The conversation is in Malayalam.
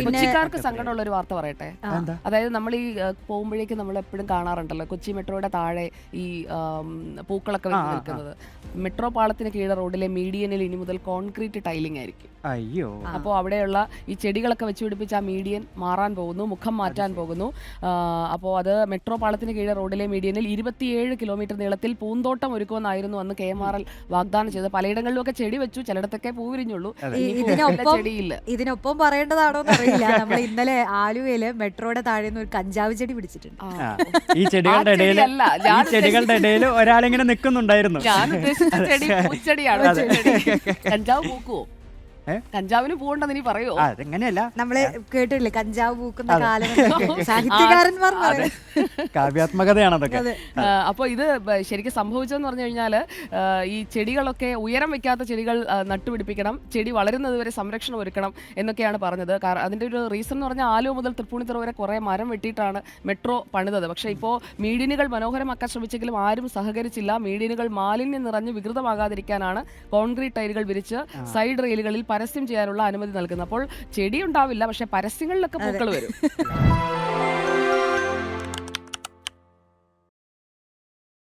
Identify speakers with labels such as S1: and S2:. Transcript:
S1: കൊച്ചിക്കാർക്ക് സങ്കടമുള്ള ഒരു വാർത്ത പറയട്ടെ. അതായത് നമ്മൾ ഈ പോകുമ്പോഴേക്കും നമ്മൾ എപ്പോഴും കാണാറുണ്ടല്ലോ കൊച്ചി മെട്രോയുടെ താഴെ ഈ പൂക്കളൊക്കെ വെച്ച് നിൽക്കുന്നത്. മെട്രോ പാളത്തിന് കീഴ റോഡിലെ മീഡിയനിൽ ഇനി മുതൽ കോൺക്രീറ്റ് ടൈലിംഗ് ആയിരിക്കും.
S2: അയ്യോ.
S1: അപ്പോൾ അവിടെയുള്ള ഈ ചെടികളൊക്കെ വെച്ച് പിടിപ്പിച്ച ആ മീഡിയൻ മാറാൻ പോകുന്നു, മുഖം മാറ്റാൻ പോകുന്നു. അപ്പോൾ അത് മെട്രോ പാളത്തിന് കീഴ റോഡിലെ മീഡിയനിൽ 27 കിലോമീറ്റർ നീളത്തിൽ പൂന്തോട്ടം ഒരുക്കുമെന്നായിരുന്നു അന്ന് KMRL വാഗ്ദാനം ചെയ്തത്. പലയിടങ്ങളിലൊക്കെ ചെടി വെച്ചു, ചിലയിടത്തൊക്കെ പൂവിരിഞ്ഞുള്ളൂ, ചെടിയില്ല.
S3: ഇതിനൊപ്പം പറയേണ്ടതാണോ അറിയില്ല, നമ്മൾ ഇന്നലെ ആലുവയില് മെട്രോയുടെ താഴെ ഒരു കഞ്ചാവ് ചെടി പിടിച്ചിട്ടുണ്ട്.
S2: ഈ ചെടികളുടെ ഇടയിൽ ഒരാളിങ്ങനെ നിൽക്കുന്നുണ്ടായിരുന്നു.
S1: ഞാൻ ഉദ്ദേശിച്ച ചെടി പൂച്ചെടിയാണ്. കഞ്ചാവ് പൂക്കുവോ? കഞ്ചാവിന് പൂണ്ടെന്ന് ഇനി പറയോ?
S2: അതെങ്ങനെയല്ല,
S3: നമ്മള് കേട്ടില്ലേ കഞ്ചാവ് പൂക്കുന്ന കാലം, സാഹിത്യകാരന്മാർ
S2: കാവ്യാത്മകതയാണ് അതൊക്കെ.
S1: അപ്പൊ ഇത് ശരിക്കും സംഭവിച്ചതെന്ന് പറഞ്ഞു കഴിഞ്ഞാല് ഈ ചെടികളൊക്കെ ഉയരം വെക്കാത്ത ചെടികൾ നട്ടുപിടിപ്പിക്കണം, ചെടി വളരുന്നത് വരെ സംരക്ഷണം ഒരുക്കണം എന്നൊക്കെയാണ് പറഞ്ഞത്. അതിന്റെ ഒരു റീസൺ എന്ന് പറഞ്ഞാൽ ആലുവ മുതൽ തൃപ്പൂണിത്തുറ വരെ കുറെ മരം വെട്ടിയിട്ടാണ് മെട്രോ പണിതത്. പക്ഷെ ഇപ്പോൾ മീഡിയനുകൾ മനോഹരമാക്കാൻ ശ്രമിച്ചെങ്കിലും ആരും സഹകരിച്ചില്ല. മീഡിയനുകൾ മാലിന്യം നിറഞ്ഞ് വികൃതമാകാതിരിക്കാനാണ് കോൺക്രീറ്റ് ടൈലുകൾ വിരിച്ച് സൈഡ് റെയിലുകളിൽ പരസ്യം ചെയ്യാനുള്ള അനുമതി നൽകുന്നത്. അപ്പോൾ ചെടി ഉണ്ടാവില്ല, പക്ഷെ പരസ്യങ്ങളിലൊക്കെ പൂക്കൾ വരും.